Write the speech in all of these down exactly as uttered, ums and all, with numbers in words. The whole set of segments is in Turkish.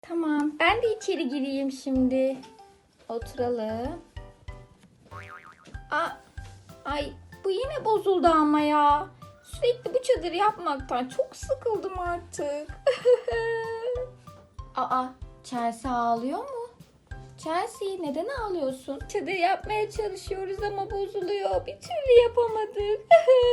Tamam, ben de içeri gireyim şimdi. Oturalım. Aa, ay bu yine bozuldu ama ya. Sürekli bu çadırı yapmaktan çok sıkıldım artık. Aa, Chelsea ağlıyor mu? Chelsea neden ağlıyorsun? Çadır yapmaya çalışıyoruz ama bozuluyor. Bir türlü yapamadık.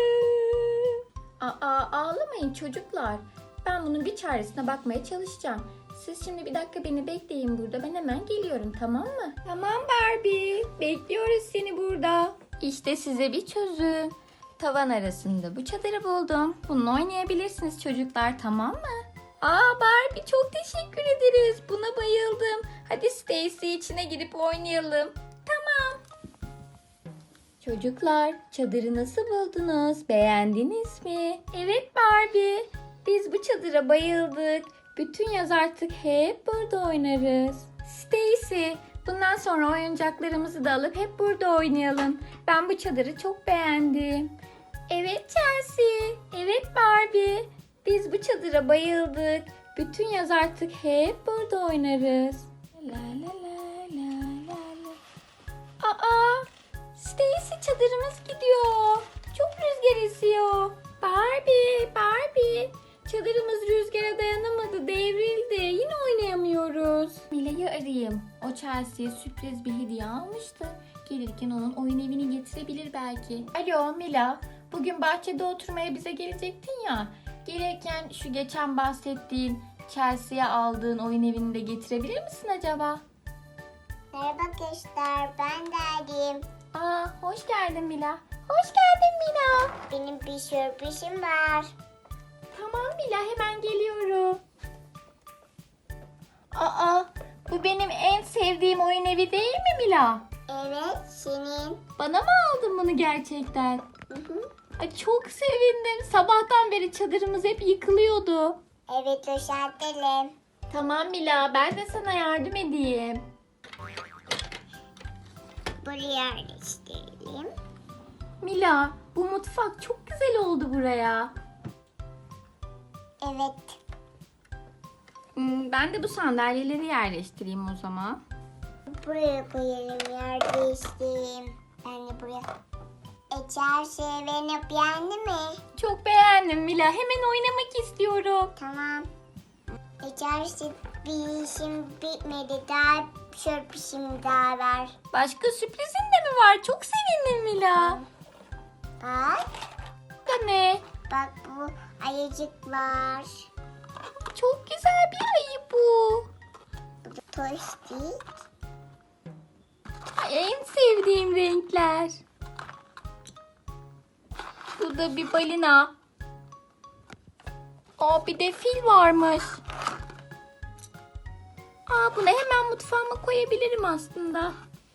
Aa, ağlamayın çocuklar. Ben bunun bir çaresine bakmaya çalışacağım. Siz şimdi bir dakika beni bekleyin burada. Ben hemen geliyorum, tamam mı? Tamam Barbie. Bekliyoruz seni burada. İşte size bir çözüm. Tavan arasında bu çadırı buldum. Bununla oynayabilirsiniz çocuklar, tamam mı? Aa Barbie, çok teşekkür ederiz. Buna bayıldım. Hadi Stacy, içine girip oynayalım. Tamam. Çocuklar, çadırı nasıl buldunuz? Beğendiniz mi? Evet Barbie. Biz bu çadıra bayıldık. Bütün yaz artık hep burada oynarız. Stacy, bundan sonra oyuncaklarımızı da alıp hep burada oynayalım. Ben bu çadırı çok beğendim. Evet Chelsea, evet Barbie. Biz bu çadıra bayıldık. Bütün yaz artık hep burada oynarız. La la la la la la. Aa, Stacy, çadırımız gidiyor. Çok rüzgar esiyor. Barbie, Barbie. Çadırımız rüzgara dayanamadı, devrildi. Yine oynayamıyoruz. Mila'yı arayayım. O Chelsea'ye sürpriz bir hediye almıştı. Gelirken onun oyun evini getirebilir belki. Alo Mila, bugün bahçede oturmaya bize gelecektin ya. Gelirken şu geçen bahsettiğin Chelsea'ye aldığın oyun evini de getirebilir misin acaba? Merhaba gençler, ben Derdim. Aa, hoş geldin Mila. Hoş geldin Mila. Benim bir sürprizim var. Tamam Mila, hemen geliyorum. Aa, bu benim en sevdiğim oyun evi değil mi Mila? Evet, senin. Bana mı aldın bunu gerçekten? Hı hı. Ay, çok sevindim. Sabahtan beri çadırımız hep yıkılıyordu. Evet, düzeltelim. Tamam Mila, ben de sana yardım edeyim. Buraya yerleştirelim. Mila, bu mutfak çok güzel oldu buraya. Evet, Hmm, ben de bu sandalyeleri yerleştireyim o zaman. buraya koyalım, yer değiştireyim. Ben de buraya. Ecel beni beğendi mi? Çok beğendim Mila. Hemen oynamak istiyorum. Tamam. Ecel bir işim bitmedi. Daha sürprizim daha var. Başka sürprizin de mi var? Çok sevindim Mila. Bak, Bu ne? bak bu ayıcık var. Çok güzel bir ayı bu. Bu da toystik. Ay, en sevdiğim renkler. Bu da bir balina. Aa, bir de fil varmış. Aa, bunu hemen mutfağıma koyabilirim aslında.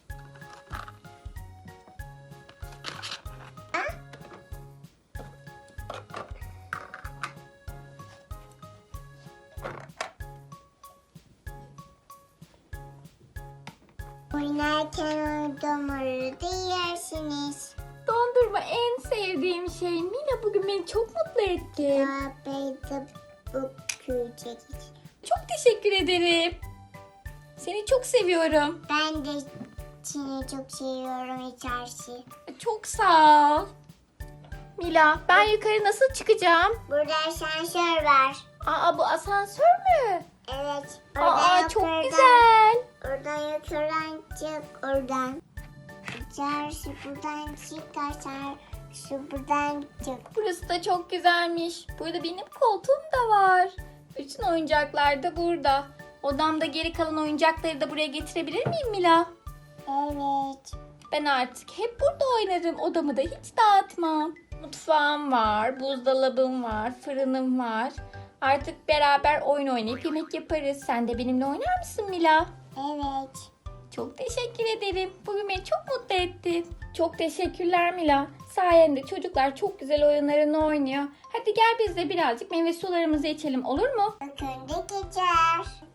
Oynarken dondurmayı da yersiniz. Dondurma en sevdiğim şey. Mina bugün beni çok mutlu etti. Ağabeyde bu küçük. Çok teşekkür ederim. Seni çok seviyorum. Ben de seni çok seviyorum içerisi. Çok sağ ol. Mila, ben yukarı nasıl çıkacağım? Burada asansör var. Aa, bu asansör mü? Evet. Aa, çok yukarıdan- güzel. Oradan yukarıdan çık oradan. İçerisi buradan çık asansör buradan çık. Burası da çok güzelmiş. Burada benim koltuğum da var. Bütün oyuncaklar da burada. Odamda geri kalan oyuncakları da buraya getirebilir miyim Mila? Evet. Ben artık hep burada oynarım. Odamı da hiç dağıtmam. Mutfağım var, buzdolabım var, fırınım var. Artık beraber oyun oynayıp yemek yaparız. Sen de benimle oynar mısın Mila? Evet. Çok teşekkür ederim. Bugün beni çok mutlu ettin. Çok teşekkürler Mila. Sayende çocuklar çok güzel oyunlarını oynuyor. Hadi gel biz de birazcık meyve sularımızı içelim, olur mu? Önde geçer.